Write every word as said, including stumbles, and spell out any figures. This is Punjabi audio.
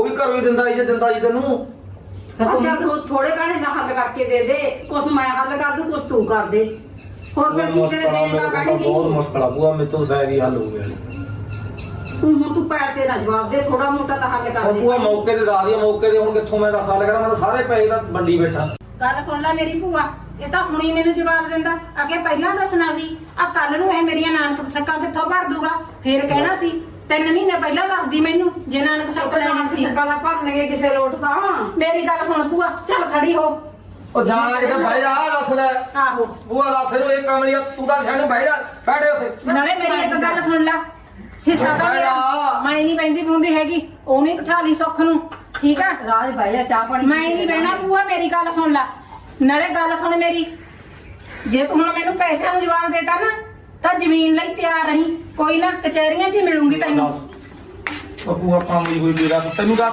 ਵੀ ਘਰੋਂ ਹੀ ਦਿੰਦਾ ਜੀ ਦਿੰਦਾ ਜੀ ਤੈਨੂੰ ਅੱਛਾ ਤੂੰ ਥੋੜੇ ਘਾਣੇ ਦਾ ਹੱਲ ਕਰਕੇ ਦੇ ਦੇ, ਕੁਛ ਮੈਂ ਹੱਲ ਕਰ ਦੂੰ, ਕੁਛ ਤੂੰ ਕਰ ਦੇ। ਹੋਰ ਫਿਰ ਕੀ ਤੇਰੇ ਦੇਣੇ ਦਾ ਕਹਿਣਗੇ ਬਹੁਤ ਮੁਸ਼ਕਲ ਆ ਬੂਆ, ਮੇਰੇ ਤੋਂ ਸ਼ਾਇਦ ਹੀ ਹੱਲ ਹੋ ਗਿਆ ਤੂੰ ਹੁਣ ਤੂੰ ਪੈਰ ਤੇ ਨਾ ਜਵਾਬ ਦੇ, ਥੋੜਾ ਮੋਟਾ ਤਾਂ ਹੱਲ ਕਰ ਦੇ। ਬੂਆ ਮੌਕੇ ਤੇ ਦੱਸ ਦਿਆ, ਮੌਕੇ ਤੇ ਹੁਣ ਕਿੱਥੋਂ ਮੈਂ ਦੱਸ ਹੱਲ ਕਰਾਂ, ਮੈਂ ਤਾਂ ਸਾਰੇ ਪੈਸੇ ਦਾ ਵੰਡੀ ਬੈਠਾ। ਗੱਲ ਸੁਣ ਲੈ ਮੇਰੀ ਭੂਆ, ਇਹ ਤਾਂ ਹੁਣੀ ਮੈਨੂੰ ਜਵਾਬ ਦਿੰਦਾ, ਅੱਗੇ ਪਹਿਲਾਂ ਦੱਸਣਾ ਸੀ। ਆ ਕੱਲ ਨੂੰ ਇਹ ਮੇਰੀਆਂ ਨਾਨਕ ਸੱਕਾਂ ਕਿੱਥੋਂ ਭਰ ਦੂਗਾ, ਫੇਰ ਕਹਿਣਾ ਸੀ ਤਿੰਨ ਮਹੀਨੇ ਪਹਿਲਾਂ ਦੱਸਦੀ ਮੈਨੂੰ, ਜੇ ਨਾਨਕ ਸੱਕ ਲੈਣੀ ਸੀ। ਸੱਕਾਂ ਦਾ ਭਰਨਗੇ ਕਿਸੇ ਲੋਟ ਤਾਂ। ਮੇਰੀ ਗੱਲ ਸੁਣ ਭੂਆ, ਚੱਲ ਖੜੀ ਹੋ। ਉਹ ਜਾਣਾ ਕਿਤੇ ਬਹਿ ਜਾ, ਦੱਸ ਲੈ ਆਹੋ ਬੂਆ ਦੱਸ ਇਹਨੂੰ ਇਹ ਕੰਮ ਨਹੀਂ, ਤੂੰ ਤਾਂ ਸਿਆਣੀ ਬਹਿ ਜਾ, ਬੈਠੇ ਉੱਥੇ। ਨਾਲੇ ਮੇਰੀ ਇੱਕ ਗੱਲ ਸੁਣ ਲੈ, ਹਿੱਸਾ ਤਾਂ ਮੇਰਾ, ਮੈਂ ਨਹੀਂ ਬੈਂਦੀ ਬੂੰਦੀ ਹੈਗੀ, ਉਹ ਨਹੀਂ ਬਿਠਾ ਲਈ ਸੁੱਖ ਨੂੰ, ਠੀਕ ਆ? ਰਾਜ ਬਹਿ ਜਾ, ਚਾਹ ਪਾਣੀ ਮੈਂ ਨਹੀਂ ਬਹਿਣਾ ਭੂਆ, ਮੇਰੀ ਗੱਲ ਸੁਣ ਲੈ। ਨਾਲੇ ਗੱਲ ਸੁਣ ਮੇਰੀ, ਜੇ ਤੂੰ ਹੁਣ ਮੈਨੂੰ ਪੈਸਿਆਂ ਨੂੰ ਜਵਾਬ ਦੇਤਾ ਨਾ ਤਾਂ ਜ਼ਮੀਨ ਲਈ ਤਿਆਰ ਰਹੀਂ, ਕੋਈ ਨਾ ਕਚਹਿਰੀਆਂ 'ਚ ਹੀ ਮਿਲੂੰਗੀ ਤੈਨੂੰ। ਉਹ ਬੂਆ ਕੰਮ ਹੀ ਕੋਈ ਮੇਰਾ ਤੈਨੂੰ ਦੱਸ